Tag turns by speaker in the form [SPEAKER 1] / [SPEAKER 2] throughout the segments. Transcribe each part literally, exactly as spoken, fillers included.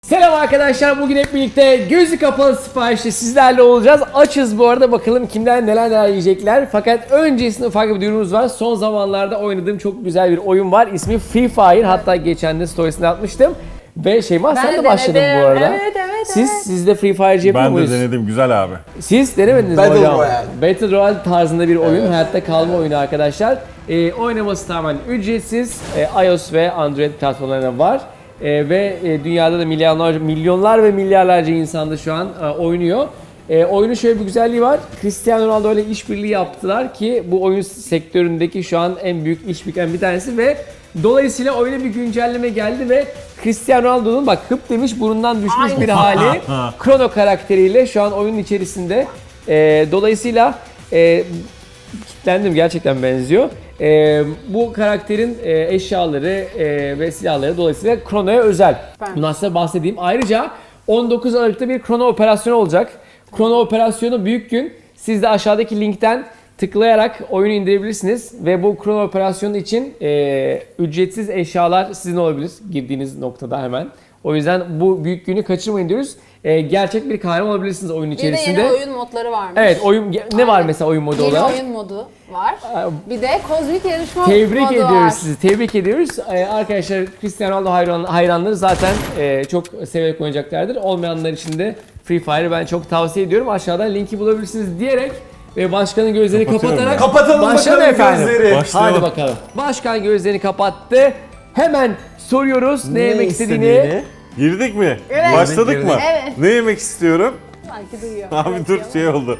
[SPEAKER 1] Selam arkadaşlar, bugün hep birlikte gözü kapalı siparişte sizlerle olacağız. Açız bu arada, bakalım kimler neler neler yiyecekler. Fakat öncesinde ufak bir duyurumuz var. Son zamanlarda oynadığım çok güzel bir oyun var. İsmi Free Fire. Hatta geçen de storiesini atmıştım. Ve Şeyma sen de başladın bu arada.
[SPEAKER 2] Evet evet
[SPEAKER 1] Siz,
[SPEAKER 2] evet.
[SPEAKER 1] siz de Free Fire'cı yapıyor
[SPEAKER 3] Ben
[SPEAKER 1] muyuz?
[SPEAKER 3] de denedim, güzel abi.
[SPEAKER 1] Siz denemediniz mi
[SPEAKER 4] Battle
[SPEAKER 1] hocam?
[SPEAKER 4] Royale.
[SPEAKER 1] Battle Royale tarzında bir oyun,
[SPEAKER 4] Evet.
[SPEAKER 1] hayatta kalma oyunu arkadaşlar. Ee, oynaması tamamen ücretsiz. Ee, iOS ve Android platformlarında var. Ee, ve e, dünyada da milyonlar, milyonlar ve milyarlarca insan da şu an e, oynuyor. E, oyunun şöyle bir güzelliği var. Cristiano Ronaldo ile işbirliği yaptılar ki bu oyun sektöründeki şu an en büyük işbirliklerinden bir tanesi ve dolayısıyla oyuna bir güncelleme geldi ve Cristiano Ronaldo'nun bak hıp demiş burundan düşmüş bir hali Chrono karakteriyle şu an oyunun içerisinde. E, dolayısıyla e, kitlendim, gerçekten benziyor. Ee, bu karakterin e, eşyaları e, ve silahları dolayısıyla Chrono'ya özel.
[SPEAKER 2] Ben.
[SPEAKER 1] Bundan size bahsedeyim. Ayrıca on dokuz Aralık'ta bir Chrono operasyonu olacak. Chrono operasyonu büyük gün. Siz de aşağıdaki linkten tıklayarak oyunu indirebilirsiniz. Ve bu Chrono operasyonu için e, ücretsiz eşyalar sizin olabilir girdiğiniz noktada hemen. O yüzden bu büyük günü kaçırmayın diyoruz. E, gerçek bir kahraman olabilirsiniz oyun
[SPEAKER 2] Bir
[SPEAKER 1] içerisinde.
[SPEAKER 2] de yeni oyun modları varmış.
[SPEAKER 1] Evet, oyun ne var
[SPEAKER 2] Aynen.
[SPEAKER 1] mesela oyun modu
[SPEAKER 2] Yeni
[SPEAKER 1] olarak?
[SPEAKER 2] oyun modu var. Bir de kozmik yarışma
[SPEAKER 1] Tebrik
[SPEAKER 2] modu
[SPEAKER 1] ediyoruz
[SPEAKER 2] var.
[SPEAKER 1] sizi. Tebrik ediyoruz. Ee, arkadaşlar Cristiano Ronaldo hayran, hayranları zaten e, çok severek oynayacaklardır. Olmayanlar için de Free Fire'ı ben çok tavsiye ediyorum. Aşağıdan linki bulabilirsiniz diyerek ve başkanın gözlerini
[SPEAKER 3] Kapatıyorum
[SPEAKER 1] kapatarak
[SPEAKER 3] ben.
[SPEAKER 4] Kapatalım
[SPEAKER 1] başlayalım
[SPEAKER 4] bakalım
[SPEAKER 1] efendim.
[SPEAKER 4] gözleri.
[SPEAKER 3] Başlayalım.
[SPEAKER 1] Hadi bakalım. Başkan gözlerini kapattı. Hemen soruyoruz ne, yemek istediğini.
[SPEAKER 3] Girdik mi?
[SPEAKER 2] Evet.
[SPEAKER 3] Başladık
[SPEAKER 4] Girdik,
[SPEAKER 3] mı?
[SPEAKER 2] Evet.
[SPEAKER 3] Ne yemek istiyorum?
[SPEAKER 2] Belki duyuyor.
[SPEAKER 3] Abi
[SPEAKER 2] Evet,
[SPEAKER 3] dur
[SPEAKER 2] yalan.
[SPEAKER 3] şey oldu.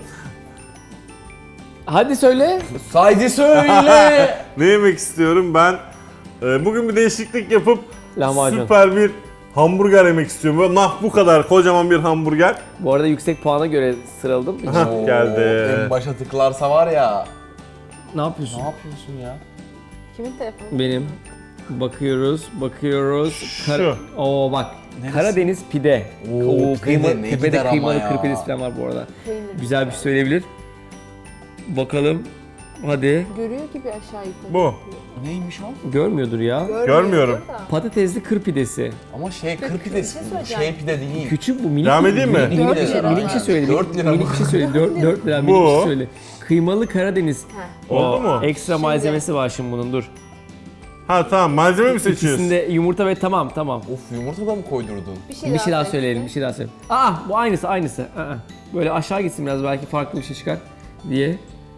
[SPEAKER 1] Hadi söyle.
[SPEAKER 4] Haydi söyle.
[SPEAKER 3] Ne yemek istiyorum? Ben e, bugün bir değişiklik yapıp
[SPEAKER 1] Lahmacun.
[SPEAKER 3] süper bir hamburger yemek istiyorum. Böyle nah bu kadar kocaman bir hamburger.
[SPEAKER 1] Bu arada yüksek puana göre sıraladım.
[SPEAKER 3] Hah,
[SPEAKER 4] Oo,
[SPEAKER 3] geldi.
[SPEAKER 4] En başa tıklarsa var ya.
[SPEAKER 1] Ne yapıyorsun?
[SPEAKER 4] Ne yapıyorsun ya?
[SPEAKER 2] Kimin telefonu?
[SPEAKER 1] Benim. Bakıyoruz, bakıyoruz.
[SPEAKER 3] Şu.
[SPEAKER 1] Oo bak.
[SPEAKER 4] Neresi?
[SPEAKER 1] Karadeniz pide.
[SPEAKER 4] Oo, pide
[SPEAKER 1] kıyma,
[SPEAKER 4] de ne
[SPEAKER 1] tepede
[SPEAKER 4] gider ama
[SPEAKER 1] kıymalı
[SPEAKER 4] ya.
[SPEAKER 1] kırpidesi falan var bu arada.
[SPEAKER 2] Peynir.
[SPEAKER 1] Güzel bir şey söyleyebilir. Bakalım. Hadi.
[SPEAKER 2] Görüyor gibi aşağı yukarı.
[SPEAKER 3] Bu.
[SPEAKER 4] Neymiş o?
[SPEAKER 1] Görmüyordur ya.
[SPEAKER 2] Görmüyordur
[SPEAKER 3] Görmüyorum.
[SPEAKER 2] da.
[SPEAKER 1] Patatesli kır pidesi.
[SPEAKER 4] Ama şey kır
[SPEAKER 2] Bir
[SPEAKER 4] pidesi.
[SPEAKER 2] şey söyleyeceğim.
[SPEAKER 4] Şey pide değil.
[SPEAKER 1] Küçük bu, minik.
[SPEAKER 3] Devam edeyim mi?
[SPEAKER 1] Minik, minik,
[SPEAKER 2] Dört
[SPEAKER 1] bir şey,
[SPEAKER 2] lira.
[SPEAKER 1] minik bir şey söyle.
[SPEAKER 4] Dört lira
[SPEAKER 1] Minik
[SPEAKER 4] bu.
[SPEAKER 1] bir şey söyle. dört lira minik
[SPEAKER 3] Bu.
[SPEAKER 1] bir şey söyle. Kıymalı Karadeniz.
[SPEAKER 2] Heh.
[SPEAKER 3] Oldu
[SPEAKER 1] O
[SPEAKER 3] mu?
[SPEAKER 1] Ekstra
[SPEAKER 2] Şimdi.
[SPEAKER 1] malzemesi var şimdi bunun, dur.
[SPEAKER 3] Ha tamam, malzeme mi seçiyorsun?
[SPEAKER 1] İkisinde yumurta ve tamam tamam.
[SPEAKER 4] Of yumurta da mı koydurdun?
[SPEAKER 2] Bir şey,
[SPEAKER 1] Bir şey daha
[SPEAKER 2] söyle.
[SPEAKER 1] söyleyelim, bir şey daha söyleyelim. Aa, bu aynısı, aynısı. Aa, böyle aşağı gitsin biraz, belki farklı bir şey çıkar diye.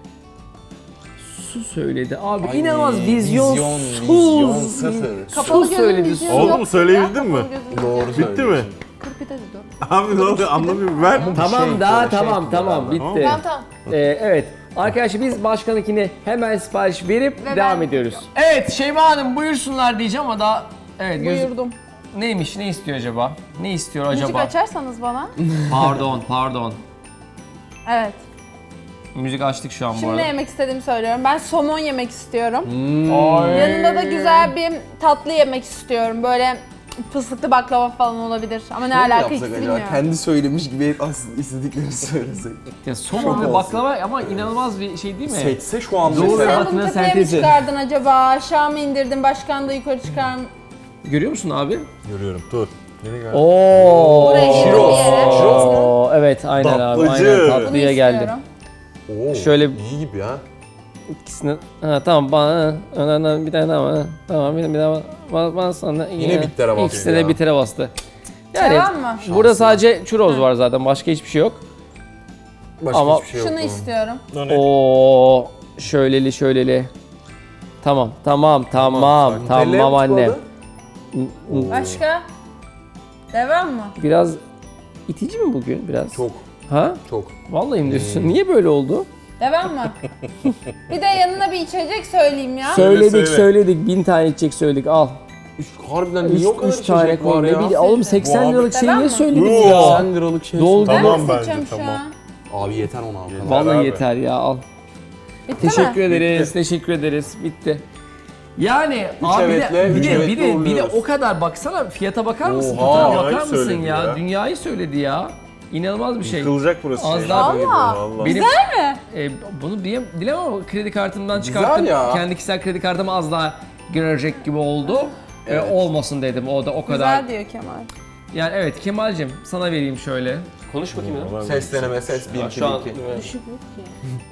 [SPEAKER 1] Su söyledi. Abi
[SPEAKER 4] Ay,
[SPEAKER 1] inanılmaz vizyonsuz.
[SPEAKER 4] Vizyon, vizyon sıfır.
[SPEAKER 2] Kapalı
[SPEAKER 1] Su
[SPEAKER 2] gözün
[SPEAKER 1] söyledi,
[SPEAKER 2] vizyonu
[SPEAKER 1] su.
[SPEAKER 3] Oldu mu?
[SPEAKER 2] yok
[SPEAKER 3] Söyleyebildin
[SPEAKER 2] ya,
[SPEAKER 3] mi?
[SPEAKER 2] kapalı gözün
[SPEAKER 4] Doğru
[SPEAKER 2] vizyonu.
[SPEAKER 3] Bitti mi?
[SPEAKER 4] söylüyorsun.
[SPEAKER 2] Kır pide dedi.
[SPEAKER 3] Abi ne oluyor anlamıyorum ben.
[SPEAKER 1] Tamam
[SPEAKER 4] Şey,
[SPEAKER 1] daha
[SPEAKER 4] şey
[SPEAKER 1] tamam
[SPEAKER 4] yapıyor
[SPEAKER 1] tamam
[SPEAKER 4] abi.
[SPEAKER 1] bitti.
[SPEAKER 2] Tamam tamam.
[SPEAKER 1] Ee, evet. Arkadaşlar biz başkanınkine hemen sipariş verip
[SPEAKER 2] Ve
[SPEAKER 1] devam
[SPEAKER 2] ben
[SPEAKER 1] ediyoruz. Evet Şeyma Hanım buyursunlar diyeceğim ama daha evet göz...
[SPEAKER 2] Buyurdum.
[SPEAKER 1] Neymiş, ne istiyor acaba? Ne istiyor
[SPEAKER 2] Müzik
[SPEAKER 1] acaba?
[SPEAKER 2] açarsanız bana.
[SPEAKER 1] Pardon pardon.
[SPEAKER 2] Evet.
[SPEAKER 1] Müzik açtık şu an bu
[SPEAKER 2] Şimdi
[SPEAKER 1] arada.
[SPEAKER 2] ne yemek istediğimi söylüyorum. Ben somon yemek istiyorum.
[SPEAKER 1] Hmm.
[SPEAKER 2] Yanında da güzel bir tatlı yemek istiyorum. Böyle fıstıklı baklava falan olabilir. Ama ne
[SPEAKER 4] Ne
[SPEAKER 2] alaka
[SPEAKER 4] yapsak
[SPEAKER 2] hiç
[SPEAKER 4] acaba?
[SPEAKER 2] bilmiyorum.
[SPEAKER 4] Kendi söylemiş gibi hep aslında istediklerini söylesek.
[SPEAKER 1] Ya somon
[SPEAKER 4] Şok
[SPEAKER 1] ve
[SPEAKER 4] olsun.
[SPEAKER 1] baklava ama inanılmaz bir şey değil mi?
[SPEAKER 4] Seçse şu an
[SPEAKER 1] Doğru.
[SPEAKER 4] mesela.
[SPEAKER 2] Sen
[SPEAKER 1] Hayatının
[SPEAKER 2] bunu tepeye mi
[SPEAKER 1] sentezi.
[SPEAKER 2] çıkardın acaba? Aşağı mı indirdin? Başkan da yukarı çıkar mı?
[SPEAKER 1] Görüyor musun abi?
[SPEAKER 3] Görüyorum, dur. Yeni geldi.
[SPEAKER 1] Oo.
[SPEAKER 2] Buraya şirin bir yere.
[SPEAKER 1] Oo, evet aynen abi.
[SPEAKER 3] Tatlıcı.
[SPEAKER 1] Aynen
[SPEAKER 2] Bunu
[SPEAKER 1] tatlıya geldi.
[SPEAKER 2] istiyorum.
[SPEAKER 4] Oo,
[SPEAKER 1] Şöyle-
[SPEAKER 4] iyi gibi ha.
[SPEAKER 1] İkisini ha tamam bana önden bir tane daha var. Tamam bir, bir daha bana, bana sonra
[SPEAKER 4] Yine bittere bastı
[SPEAKER 1] İkisine de
[SPEAKER 4] ya.
[SPEAKER 1] bitere bastı. Yani
[SPEAKER 2] Devam mı?
[SPEAKER 1] burada sadece churros var zaten, başka hiçbir şey yok.
[SPEAKER 4] Başka
[SPEAKER 1] Ama-
[SPEAKER 4] hiçbir şey yok.
[SPEAKER 2] Şunu
[SPEAKER 4] bunun.
[SPEAKER 2] istiyorum.
[SPEAKER 3] O ne?
[SPEAKER 1] Oo, şöyleli şöyleli. Tamam tamam tamam tamam,
[SPEAKER 4] Nutella'ya mı
[SPEAKER 1] anne.
[SPEAKER 4] tıkladı?
[SPEAKER 2] Başka? Devam mı?
[SPEAKER 1] Biraz itici mi bugün biraz?
[SPEAKER 4] Çok,
[SPEAKER 1] Ha?
[SPEAKER 4] çok.
[SPEAKER 1] Vallahi mi diyorsun? Niye böyle oldu?
[SPEAKER 2] Devam mı? Bir de yanına bir içecek söyleyeyim ya.
[SPEAKER 1] Söyledik
[SPEAKER 3] söyle.
[SPEAKER 1] söyledik, bin tane içecek söyledik, al.
[SPEAKER 4] Üç, harbiden
[SPEAKER 1] Üç,
[SPEAKER 4] niye o kadar
[SPEAKER 1] üç tane
[SPEAKER 4] içecek var
[SPEAKER 1] koy. Ne
[SPEAKER 4] ya?
[SPEAKER 1] bileyim, oğlum seksen
[SPEAKER 4] abi-
[SPEAKER 1] liralık şey
[SPEAKER 2] Tamam
[SPEAKER 1] niye
[SPEAKER 2] mı?
[SPEAKER 1] söylediniz
[SPEAKER 3] Yoo.
[SPEAKER 1] ya?
[SPEAKER 4] seksen liralık şey.
[SPEAKER 1] Doldu.
[SPEAKER 2] Ben
[SPEAKER 3] Tamam
[SPEAKER 2] nasıl
[SPEAKER 3] bence,
[SPEAKER 2] içeceğim şu
[SPEAKER 3] tamam.
[SPEAKER 2] an?
[SPEAKER 4] Abi yeter ona abi.
[SPEAKER 1] Vallahi
[SPEAKER 3] abi.
[SPEAKER 1] yeter ya, al.
[SPEAKER 2] Bitti
[SPEAKER 1] Teşekkür
[SPEAKER 2] mi?
[SPEAKER 1] ederiz, teşekkür ederiz. Bitti. Yani abi bir
[SPEAKER 4] evetle,
[SPEAKER 1] de, bir
[SPEAKER 4] üç
[SPEAKER 1] de,
[SPEAKER 4] evetle
[SPEAKER 1] bir de, bir de
[SPEAKER 4] uğurluyoruz.
[SPEAKER 1] o kadar baksana, fiyata bakar mısın?
[SPEAKER 4] Oha.
[SPEAKER 1] Fotoğrafa
[SPEAKER 3] Dünyayı
[SPEAKER 1] bakar mısın
[SPEAKER 3] söyledi
[SPEAKER 1] ya?
[SPEAKER 3] ya.
[SPEAKER 1] Dünyayı söyledi ya. İnanılmaz bir şey.
[SPEAKER 3] Yıkılacak burası.
[SPEAKER 1] Az
[SPEAKER 3] şey.
[SPEAKER 1] daha
[SPEAKER 2] Valla.
[SPEAKER 3] Vallahi.
[SPEAKER 1] Benim,
[SPEAKER 2] Güzel mi?
[SPEAKER 1] e, bunu diyem, dilemem ama kredi kartımdan çıkarttım.
[SPEAKER 4] ya.
[SPEAKER 1] Kendi kişisel kredi kartımı az daha girecek gibi oldu. E,
[SPEAKER 4] Evet.
[SPEAKER 1] olmasın dedim, o da o kadar.
[SPEAKER 2] Güzel diyor Kemal.
[SPEAKER 1] Yani evet Kemal'cim sana vereyim şöyle. Konuş bakayım ya.
[SPEAKER 4] Ses deneme ses bir iki
[SPEAKER 1] Şu an
[SPEAKER 4] bir iki.
[SPEAKER 2] Düşük yok ki.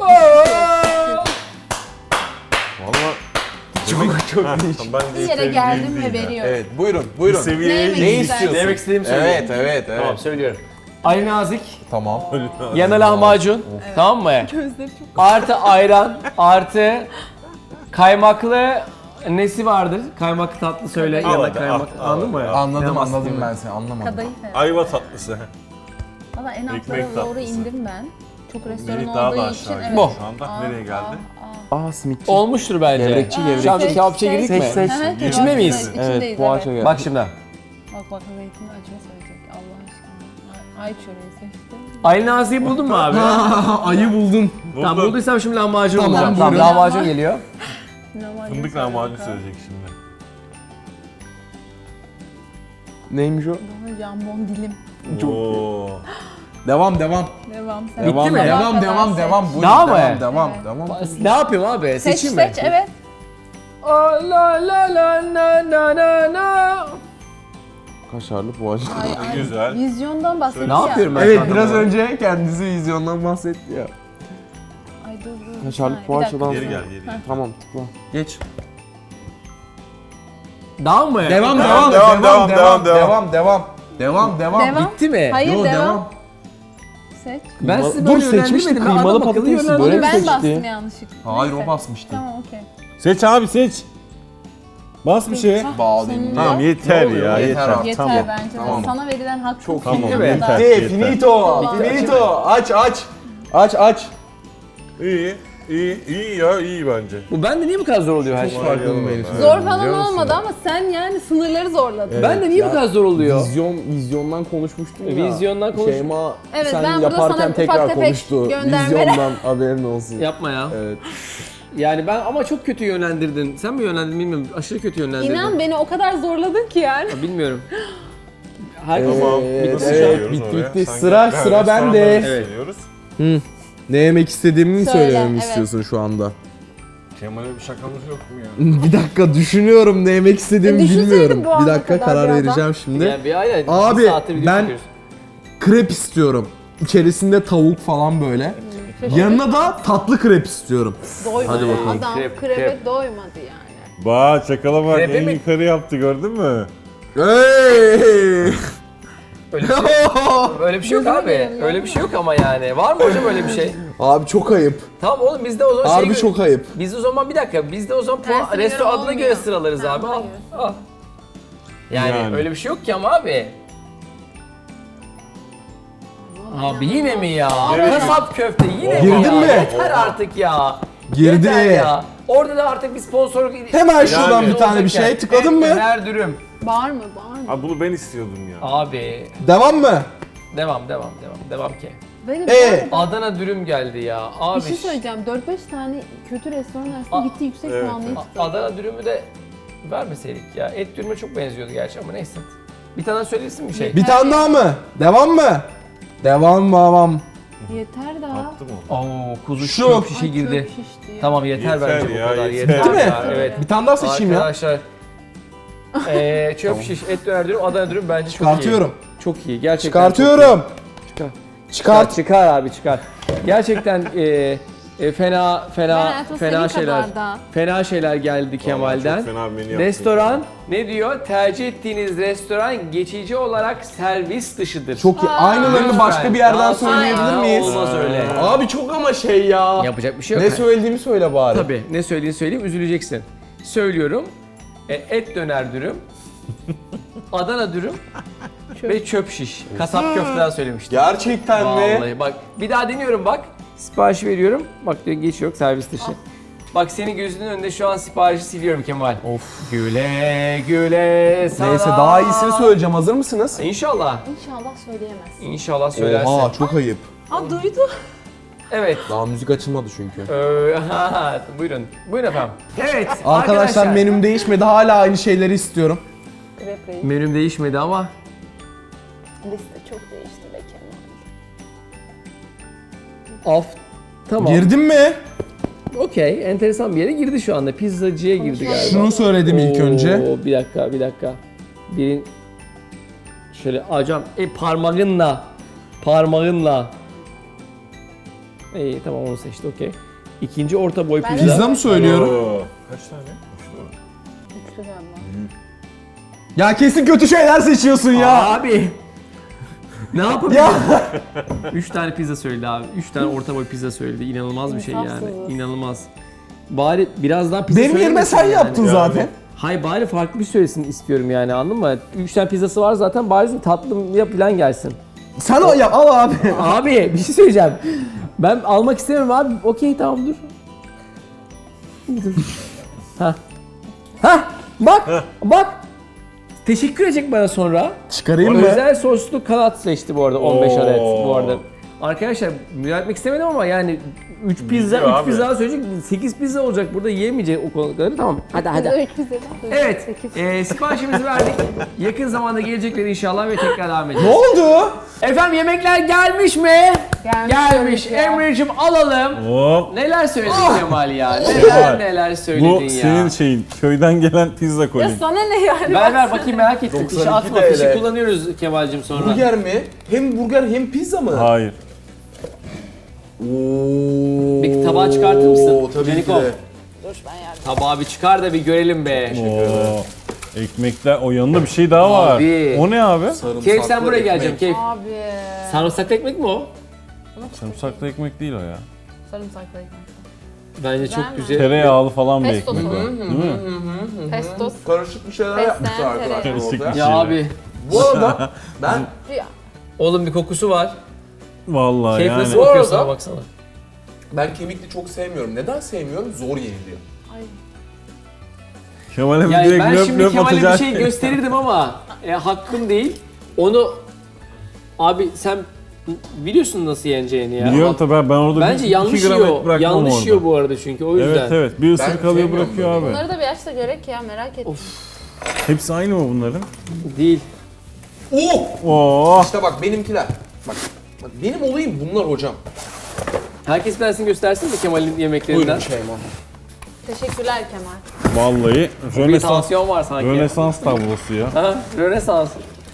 [SPEAKER 3] Valla
[SPEAKER 4] Çok çok
[SPEAKER 3] Ha,
[SPEAKER 4] değişik.
[SPEAKER 3] tamam, ben
[SPEAKER 2] Bir yere
[SPEAKER 3] yeterli
[SPEAKER 2] geldim
[SPEAKER 3] değil
[SPEAKER 2] ve
[SPEAKER 3] ya.
[SPEAKER 2] veriyorum.
[SPEAKER 4] Evet buyurun buyurun.
[SPEAKER 3] Bir seviyeye
[SPEAKER 2] Ne
[SPEAKER 4] Ne
[SPEAKER 2] yemek
[SPEAKER 4] istiyorsun?
[SPEAKER 1] Demek istediğimi söyleyeyim.
[SPEAKER 4] Evet evet evet.
[SPEAKER 1] Tamam söylüyorum. Ali Nazik,
[SPEAKER 4] Tamam.
[SPEAKER 1] yanına lahmacun, tamam mı?
[SPEAKER 2] Gözleri çok...
[SPEAKER 1] Artı ayran, artı kaymaklı nesi vardır? Kaymaklı tatlı söyle
[SPEAKER 3] Al
[SPEAKER 1] yanına
[SPEAKER 3] hadi,
[SPEAKER 1] kaymak.
[SPEAKER 3] al, al,
[SPEAKER 1] Anladın mı?
[SPEAKER 3] al.
[SPEAKER 4] Anladım
[SPEAKER 1] Ne
[SPEAKER 4] anladım
[SPEAKER 1] bahsediyorum?
[SPEAKER 4] ben seni anlamadım.
[SPEAKER 2] Kadayıf evet.
[SPEAKER 3] Ayva tatlısı.
[SPEAKER 2] Valla en
[SPEAKER 3] Ekmek
[SPEAKER 2] altlara doğru
[SPEAKER 3] tatlısı.
[SPEAKER 2] indim ben. Çok restoran
[SPEAKER 3] Melih daha da
[SPEAKER 2] olduğu
[SPEAKER 3] aşağı
[SPEAKER 2] için
[SPEAKER 3] gidiyor
[SPEAKER 2] evet.
[SPEAKER 1] Bu.
[SPEAKER 3] şu anda.
[SPEAKER 2] Aa,
[SPEAKER 3] Nereye geldi?
[SPEAKER 2] aa, aa.
[SPEAKER 4] Aa simitçi.
[SPEAKER 1] Olmuştur bence.
[SPEAKER 4] Gevrekçi, gevrekçi.
[SPEAKER 1] Şu an bir
[SPEAKER 2] Seç,
[SPEAKER 1] kebapçıya
[SPEAKER 2] seç.
[SPEAKER 1] girdik mi?
[SPEAKER 4] Seç, seç.
[SPEAKER 2] Hı hı,
[SPEAKER 1] İçinde
[SPEAKER 2] kebapçı,
[SPEAKER 1] miyiz?
[SPEAKER 2] İçindeyiz
[SPEAKER 4] Evet poğaça gel.
[SPEAKER 1] Bak şimdi.
[SPEAKER 2] Bak bak zeytinli acıma söyleyecek Allah aşkına. Ay, ay çöreği seçtim.
[SPEAKER 1] Ali Nazik'i buldun mu abi?
[SPEAKER 4] Ayı buldum.
[SPEAKER 1] Tamam
[SPEAKER 3] Buldum.
[SPEAKER 1] bulduysam şimdi lahmacun
[SPEAKER 4] Tamam,
[SPEAKER 1] bulacağım. Tamam
[SPEAKER 4] buyurun.
[SPEAKER 1] lahmacun geliyor.
[SPEAKER 2] Lahmacun
[SPEAKER 3] Fındık
[SPEAKER 2] söyle
[SPEAKER 3] lahmacun
[SPEAKER 2] bakalım.
[SPEAKER 3] söyleyecek şimdi.
[SPEAKER 4] Neymiş o?
[SPEAKER 2] Bana jambon dilim.
[SPEAKER 3] Oo.
[SPEAKER 4] Devam devam.
[SPEAKER 2] Devam sen.
[SPEAKER 4] Devam
[SPEAKER 1] mi?
[SPEAKER 4] devam
[SPEAKER 2] Sabaha
[SPEAKER 4] devam
[SPEAKER 2] kadar
[SPEAKER 4] devam.
[SPEAKER 2] seç.
[SPEAKER 4] Buyurun,
[SPEAKER 1] Daha mı?
[SPEAKER 4] devam devam
[SPEAKER 2] Evet.
[SPEAKER 4] devam.
[SPEAKER 1] Ne yapıyorum abi?
[SPEAKER 2] Seç
[SPEAKER 1] Seçeyim mi?
[SPEAKER 2] seç evet.
[SPEAKER 1] La la la la la la la.
[SPEAKER 4] Kaşarlı poğaça.
[SPEAKER 2] Ay, ay.
[SPEAKER 3] Güzel.
[SPEAKER 2] Vizyondan bahsetti
[SPEAKER 1] Ne
[SPEAKER 2] ya.
[SPEAKER 1] yapıyorum ben?
[SPEAKER 4] Evet
[SPEAKER 1] şu anda
[SPEAKER 4] biraz
[SPEAKER 1] bu?
[SPEAKER 4] önce kendisi vizyondan bahsetti ya.
[SPEAKER 2] Ay dur dur. bir
[SPEAKER 4] Kaşarlı
[SPEAKER 2] saniye, bir
[SPEAKER 4] poğaçadan
[SPEAKER 2] dakika.
[SPEAKER 3] Geri gel geri gel.
[SPEAKER 4] Tamam tıkla. Geç.
[SPEAKER 1] Daha mı?
[SPEAKER 4] Devam
[SPEAKER 3] Devam,
[SPEAKER 4] devam
[SPEAKER 3] devam,
[SPEAKER 4] devam
[SPEAKER 3] devam,
[SPEAKER 4] devam devam devam. Devam devam.
[SPEAKER 2] Devam.
[SPEAKER 1] Bitti mi?
[SPEAKER 2] Hayır
[SPEAKER 4] Yo,
[SPEAKER 2] devam.
[SPEAKER 4] devam.
[SPEAKER 2] Seç.
[SPEAKER 1] Ben sizi
[SPEAKER 4] Dur,
[SPEAKER 1] böyle
[SPEAKER 4] seçmiştik,
[SPEAKER 1] yönlendirmedim. Ben
[SPEAKER 4] kıymalı
[SPEAKER 1] adam akıllı
[SPEAKER 4] patatesi,
[SPEAKER 1] yönlendirdim.
[SPEAKER 4] böyle mi
[SPEAKER 2] Ben
[SPEAKER 4] seçti?
[SPEAKER 2] bastım yanlışlıkla.
[SPEAKER 4] Hayır
[SPEAKER 2] Neyse.
[SPEAKER 4] o basmıştı.
[SPEAKER 2] Tamam okey.
[SPEAKER 3] Seç abi seç. Bas bir şey.
[SPEAKER 2] Hah,
[SPEAKER 4] Bağlayayım.
[SPEAKER 2] sonunda.
[SPEAKER 3] Tamam yeter
[SPEAKER 4] Ne oluyor?
[SPEAKER 3] ya
[SPEAKER 4] Yeter
[SPEAKER 3] yeter.
[SPEAKER 4] abi.
[SPEAKER 2] Yeter
[SPEAKER 3] Tamam.
[SPEAKER 2] bence de.
[SPEAKER 4] Tamam.
[SPEAKER 2] Sana verilen hak çok
[SPEAKER 3] Tamam,
[SPEAKER 2] iyi.
[SPEAKER 3] yeter.
[SPEAKER 2] Bu kadar.
[SPEAKER 3] Yeter.
[SPEAKER 4] Finito. Finito. Aç aç. Aç aç.
[SPEAKER 3] İyi. İyi, iyi ya iyi bence.
[SPEAKER 1] Bu bende niye bu kadar zor oluyor her şey?
[SPEAKER 4] Farkında benim.
[SPEAKER 2] Zor falan olmadı ama sen yani sınırları zorladın.
[SPEAKER 4] Evet.
[SPEAKER 1] Bende niye bu
[SPEAKER 4] ya.
[SPEAKER 1] kadar zor oluyor?
[SPEAKER 4] Vizyon, vizyondan konuşmuştun ya.
[SPEAKER 1] Vizyondan konuş-
[SPEAKER 4] Şeyma
[SPEAKER 2] Evet,
[SPEAKER 4] sen
[SPEAKER 2] ben burada
[SPEAKER 4] yaparken
[SPEAKER 2] sana ufak
[SPEAKER 4] tekrar
[SPEAKER 2] tefek
[SPEAKER 4] konuştu.
[SPEAKER 2] göndermeler-
[SPEAKER 4] Vizyondan haberin olsun.
[SPEAKER 1] Yapma ya.
[SPEAKER 4] Evet.
[SPEAKER 1] Yani ben ama çok kötü yönlendirdin. Sen mi yönlendirdin bilmiyorum. Aşırı kötü yönlendirdin.
[SPEAKER 2] İnan beni o kadar zorladın ki yani.
[SPEAKER 1] Ya bilmiyorum. Herkes
[SPEAKER 3] Tamam.
[SPEAKER 4] Evet,
[SPEAKER 3] Nasıl
[SPEAKER 4] evet,
[SPEAKER 3] geliyoruz
[SPEAKER 4] bitti,
[SPEAKER 3] oraya?
[SPEAKER 4] bitti.
[SPEAKER 3] Sanki-
[SPEAKER 4] Sıra-
[SPEAKER 3] Ha,
[SPEAKER 4] sıra
[SPEAKER 3] restorandan
[SPEAKER 4] bende.
[SPEAKER 1] Evet.
[SPEAKER 3] söylüyoruz.
[SPEAKER 4] Ne yemek istediğimi mi
[SPEAKER 2] Söyle,
[SPEAKER 4] söylememi
[SPEAKER 2] evet.
[SPEAKER 4] istiyorsun şu anda?
[SPEAKER 3] Kemal'e bir şakamız yok mu ya?
[SPEAKER 4] Bir dakika düşünüyorum ne yemek istediğimi
[SPEAKER 2] E, düşünseydin
[SPEAKER 4] bilmiyorum.
[SPEAKER 2] bu ana
[SPEAKER 4] Bir dakika
[SPEAKER 2] kadar
[SPEAKER 4] karar
[SPEAKER 2] birazdan.
[SPEAKER 4] vereceğim şimdi.
[SPEAKER 1] Yani bir aynen.
[SPEAKER 4] Abi,
[SPEAKER 1] bir saattir video
[SPEAKER 4] ben-
[SPEAKER 1] çekiyoruz.
[SPEAKER 4] Krep istiyorum. İçerisinde tavuk falan böyle. Yanına da tatlı krep istiyorum.
[SPEAKER 2] Doymadı.
[SPEAKER 4] Hadi bakalım.
[SPEAKER 2] Adam
[SPEAKER 1] Krep,
[SPEAKER 2] krebe
[SPEAKER 1] krep.
[SPEAKER 2] doymadı yani.
[SPEAKER 3] Bak çakala bak
[SPEAKER 1] Krepe
[SPEAKER 3] en
[SPEAKER 1] mi?
[SPEAKER 3] yukarı yaptı gördün mü?
[SPEAKER 4] Hey!
[SPEAKER 1] Öyle bir şey, öyle bir şey yok abi. Öyle bir şey yok ama yani. Var mı hocam öyle bir şey?
[SPEAKER 4] Abi çok ayıp.
[SPEAKER 1] Tamam oğlum biz de o zaman şey...
[SPEAKER 4] Harbi çok ayıp.
[SPEAKER 1] Biz de o zaman bir dakika. Biz de o zaman puan,
[SPEAKER 2] Tersine
[SPEAKER 1] resto
[SPEAKER 2] göre
[SPEAKER 1] adına
[SPEAKER 2] olmuyor.
[SPEAKER 1] göre sıralarız
[SPEAKER 2] Tamam,
[SPEAKER 1] abi. Al.
[SPEAKER 2] hayır.
[SPEAKER 1] Al. Yani,
[SPEAKER 3] Yani.
[SPEAKER 1] öyle bir şey yok ki ama abi. Abi yine mi ya?
[SPEAKER 3] Evet.
[SPEAKER 1] Kasap köfte yine mi
[SPEAKER 4] Girdin
[SPEAKER 1] ya?
[SPEAKER 4] mi?
[SPEAKER 1] Yeter artık ya.
[SPEAKER 4] Girdi.
[SPEAKER 1] Yeter ya. Orada da artık bir sponsor...
[SPEAKER 4] Hemen şuradan
[SPEAKER 3] Yani.
[SPEAKER 4] bir tane bir şey tıkladın mı?
[SPEAKER 1] Her dürüm.
[SPEAKER 2] Bağır mı bağır mı?
[SPEAKER 3] Abi bunu ben istiyordum ya.
[SPEAKER 1] Abi.
[SPEAKER 4] Devam mı?
[SPEAKER 1] Devam devam devam. Devam ki.
[SPEAKER 2] Benim
[SPEAKER 4] Ee?
[SPEAKER 2] bu arada
[SPEAKER 1] Adana dürüm geldi ya. Abi.
[SPEAKER 2] bir şey söyleyeceğim. dört beş tane kötü restoran arasında
[SPEAKER 1] Aa,
[SPEAKER 2] gitti yüksek
[SPEAKER 3] evet,
[SPEAKER 2] puanlayıp
[SPEAKER 1] A-
[SPEAKER 2] tuttu.
[SPEAKER 1] Adana dürümü de vermeseydik ya. Et dürüme çok benziyordu gerçi ama neyse. Bir tane söylesin bir şey.
[SPEAKER 4] Bir tane daha mı? Devam mı? Devam devam.
[SPEAKER 2] Yeter daha.
[SPEAKER 3] Attım onu.
[SPEAKER 1] Oo kuzu
[SPEAKER 4] Şu.
[SPEAKER 1] çok şişe
[SPEAKER 2] Ay,
[SPEAKER 1] girdi.
[SPEAKER 2] çok şişti ya.
[SPEAKER 1] Tamam yeter,
[SPEAKER 3] Yeter
[SPEAKER 1] bence
[SPEAKER 3] ya,
[SPEAKER 1] bu kadar.
[SPEAKER 3] yeter.
[SPEAKER 1] Yeter.
[SPEAKER 4] Bitti mi?
[SPEAKER 1] ya, Evet.
[SPEAKER 4] Bir tane daha seçeyim ya.
[SPEAKER 1] Arkadaşlar. Eee çöp şiş, et döner dürüm, Adana dürüm bence çok
[SPEAKER 4] Çıkartıyorum.
[SPEAKER 1] iyi. Çok iyi. Gerçekten
[SPEAKER 4] Çıkartıyorum.
[SPEAKER 1] Çıkar.
[SPEAKER 4] Çıkart.
[SPEAKER 1] Çıkar, çıkar abi çıkar. Gerçekten eee, e, fena
[SPEAKER 2] Ben
[SPEAKER 1] fena
[SPEAKER 2] hayatımda
[SPEAKER 1] fena
[SPEAKER 2] senin
[SPEAKER 1] şeyler.
[SPEAKER 2] kadar da-
[SPEAKER 1] Fena şeyler geldi Kemal'den.
[SPEAKER 3] Çok fena bir menü yaptın.
[SPEAKER 1] Restoran ne diyor? Tercih ettiğiniz restoran geçici olarak servis dışıdır.
[SPEAKER 4] Çok iyi. Aynılarını
[SPEAKER 1] Lütfen.
[SPEAKER 4] başka bir yerden
[SPEAKER 1] Daha
[SPEAKER 4] söyleyebilir
[SPEAKER 1] sonra
[SPEAKER 4] miyiz?
[SPEAKER 1] Olmaz öyle.
[SPEAKER 4] Abi çok ama şey ya.
[SPEAKER 1] Yapacak bir şey yok.
[SPEAKER 4] Ne söylediğimi söyle bari.
[SPEAKER 1] Tabii ne söylediğini söyleyeyim, üzüleceksin. Söylüyorum. E, et döner dürüm, Adana dürüm ve çöp şiş. Kasap köfteden söylemiştim.
[SPEAKER 4] Gerçekten mi?
[SPEAKER 1] Vallahi bak bir daha deniyorum bak. Sipariş veriyorum. Bak diyor geç yok servis dışı. Bak senin gözünün önünde şu an siparişi siliyorum Kemal.
[SPEAKER 4] Of.
[SPEAKER 1] Güle güle sana.
[SPEAKER 4] Neyse daha iyisini söyleyeceğim. Hazır mısınız?
[SPEAKER 1] İnşallah.
[SPEAKER 2] İnşallah söyleyemezsin.
[SPEAKER 1] İnşallah söylersin.
[SPEAKER 4] Oha çok ayıp.
[SPEAKER 2] Aa duydu.
[SPEAKER 1] Evet.
[SPEAKER 4] Daha müzik açılmadı çünkü.
[SPEAKER 1] Ee, buyurun. Buyurun efendim. Evet.
[SPEAKER 4] Arkadaşlar menüm değişmedi. Hala aynı şeyleri istiyorum.
[SPEAKER 2] Krep reis.
[SPEAKER 1] Menüm değişmedi ama
[SPEAKER 2] Liste çok değişti be Kemal.
[SPEAKER 1] af. Tamam.
[SPEAKER 4] Girdin mi?
[SPEAKER 1] Okey. Enteresan bir yere girdi şu anda. Pizzacıya girdi galiba.
[SPEAKER 4] Şunu söyledim ilk
[SPEAKER 1] Oo,
[SPEAKER 4] önce.
[SPEAKER 1] Bir dakika, bir dakika. Birin... Şöyle hocam e, parmağınla. Parmağınla. İyi tamam onu seçti okey. İkinci orta boy
[SPEAKER 2] Ben de-
[SPEAKER 1] pizza.
[SPEAKER 4] Pizza mı söylüyorum?
[SPEAKER 3] Oo. Kaç tane?
[SPEAKER 2] Üçlü galiba.
[SPEAKER 4] Ya kesin kötü şeyler seçiyorsun ya.
[SPEAKER 1] Abi. Ne yapabilirim? Üç tane pizza söyledi abi. Üç tane orta boy pizza söyledi. İnanılmaz bir şey yani.
[SPEAKER 2] İnsafsızız.
[SPEAKER 1] İnanılmaz. Bari biraz daha pizza
[SPEAKER 4] Benim yerime
[SPEAKER 1] söylemesin
[SPEAKER 4] sen
[SPEAKER 1] yani.
[SPEAKER 4] yaptın zaten.
[SPEAKER 1] Hayır bari farklı bir söylesin istiyorum yani anladın mı? Üç tane pizzası var zaten bari tatlım ya falan gelsin.
[SPEAKER 4] Sen o yap al abi.
[SPEAKER 1] Abi bir şey söyleyeceğim. Ben almak istemiyorum abi. Okey tamam dur. Dur. Ha. Ha. Bak. Bak. Teşekkür edecek bana sonra.
[SPEAKER 4] Çıkarayım mı?
[SPEAKER 1] Özel soslu kanat seçti bu arada on beş
[SPEAKER 3] Oo.
[SPEAKER 1] adet bu arada. Arkadaşlar müdahale etmek istemedim ama yani üç pizza,
[SPEAKER 3] Biliyor
[SPEAKER 1] üç
[SPEAKER 3] abi.
[SPEAKER 1] pizza söyleyecek, sekiz pizza olacak burada yiyemeyecek o kadarı tamam. Hadi hadi.
[SPEAKER 2] Biz de üç pizzadan duyduk.
[SPEAKER 1] Evet,
[SPEAKER 2] Sekiz.
[SPEAKER 1] e, siparişimizi verdik. Yakın zamanda gelecekler inşallah ve tekrar devam
[SPEAKER 4] Ne
[SPEAKER 1] edeceğiz.
[SPEAKER 4] oldu?
[SPEAKER 1] Efendim yemekler gelmiş mi?
[SPEAKER 2] Gelmiş,
[SPEAKER 1] Gelmiş.
[SPEAKER 2] gelmiş ya.
[SPEAKER 1] Emre'cim alalım.
[SPEAKER 3] Hop.
[SPEAKER 1] Neler söyledin Kemal ya? Neler neler söyledin
[SPEAKER 3] Bu
[SPEAKER 1] ya?
[SPEAKER 3] senin şeyin. Köyden gelen pizza
[SPEAKER 2] Ya
[SPEAKER 3] kolin.
[SPEAKER 2] sana ne yani?
[SPEAKER 1] Ver ver bakayım merak ettim.
[SPEAKER 5] doksan
[SPEAKER 1] Fişi
[SPEAKER 5] iki
[SPEAKER 1] atma,
[SPEAKER 5] T L.
[SPEAKER 1] fişi kullanıyoruz Kemal'cim sonra.
[SPEAKER 5] Burger mi? Hem burger hem pizza mı?
[SPEAKER 3] Hayır.
[SPEAKER 5] Oo.
[SPEAKER 1] Bir tabağı çıkartır mısın?
[SPEAKER 5] Tabii ki
[SPEAKER 1] Canikom.
[SPEAKER 5] de.
[SPEAKER 2] Dur ben yardım.
[SPEAKER 1] Tabağı bir çıkar da bir görelim be.
[SPEAKER 3] Oo. Ekmekler, o yanında bir şey daha var.
[SPEAKER 1] Abi.
[SPEAKER 3] O ne abi?
[SPEAKER 5] Sarımsaklı
[SPEAKER 1] Keyif sen buraya
[SPEAKER 5] ekmek.
[SPEAKER 1] geleceksin Keyif.
[SPEAKER 2] Abi.
[SPEAKER 1] Sarımsaklı ekmek mi o?
[SPEAKER 3] Sarımsaklı ekmek değil o ya.
[SPEAKER 2] Sarımsaklı ekmek.
[SPEAKER 1] Bence
[SPEAKER 2] Güzel
[SPEAKER 1] çok
[SPEAKER 2] mi?
[SPEAKER 1] güzel.
[SPEAKER 3] Tereyağlı falan bir
[SPEAKER 2] Pesto
[SPEAKER 3] ekmek o.
[SPEAKER 2] sosu.
[SPEAKER 3] Değil mi?
[SPEAKER 2] Pestos.
[SPEAKER 5] Karışık bir şeyler
[SPEAKER 2] Fesleğen
[SPEAKER 5] yapmışlar
[SPEAKER 2] tereyağı.
[SPEAKER 5] arkadaşlar
[SPEAKER 3] Karışık
[SPEAKER 5] orada.
[SPEAKER 3] bir
[SPEAKER 1] Ya
[SPEAKER 3] şey.
[SPEAKER 1] abi.
[SPEAKER 5] Bu arada ben
[SPEAKER 2] Ya.
[SPEAKER 1] Oğlum bir kokusu var.
[SPEAKER 3] Vallahi
[SPEAKER 1] Keyif
[SPEAKER 3] yani.
[SPEAKER 1] nasıl
[SPEAKER 5] Bu
[SPEAKER 1] bakıyor
[SPEAKER 5] arada-
[SPEAKER 1] sana baksana.
[SPEAKER 5] ben kemikli çok sevmiyorum. Neden sevmiyorum? Zor yeniliyor.
[SPEAKER 2] Ay.
[SPEAKER 3] Kemal'e bir
[SPEAKER 1] Yani
[SPEAKER 3] direkt
[SPEAKER 1] ben
[SPEAKER 3] löp
[SPEAKER 1] şimdi
[SPEAKER 3] löp
[SPEAKER 1] Kemal'e bir
[SPEAKER 3] atacak.
[SPEAKER 1] şey gösterirdim ama e, hakkım değil. Onu abi sen biliyorsun nasıl yeneceğini ya.
[SPEAKER 3] Biliyorum tabii ben orada
[SPEAKER 1] Bence
[SPEAKER 3] bir,
[SPEAKER 1] yanlış
[SPEAKER 3] iki gram
[SPEAKER 1] yiyor.
[SPEAKER 3] et bırakmam
[SPEAKER 1] Yanlış
[SPEAKER 3] orada.
[SPEAKER 1] yiyor bu arada çünkü o yüzden.
[SPEAKER 3] Evet evet bir ısırık alıyor
[SPEAKER 5] sevmiyorum
[SPEAKER 3] bırakıyor
[SPEAKER 5] böyle.
[SPEAKER 3] abi.
[SPEAKER 2] Bunları da bir açsa görek ya merak ettim.
[SPEAKER 3] Hepsi aynı mı bunların?
[SPEAKER 1] Değil.
[SPEAKER 5] Oo!
[SPEAKER 3] Oo.
[SPEAKER 5] İşte bak benimkiler. Bak, bak benim olayım bunlar hocam.
[SPEAKER 1] Herkes bir tanesini göstersin mi Kemal'in yemeklerinden?
[SPEAKER 5] Buyurun Şeyma.
[SPEAKER 2] Teşekkürler Kemal.
[SPEAKER 3] Vallahi
[SPEAKER 1] Bir
[SPEAKER 3] Rönesans,
[SPEAKER 1] tansiyon var sanki.
[SPEAKER 3] Rönesans tablosu ya.
[SPEAKER 1] Ha, Rönesans.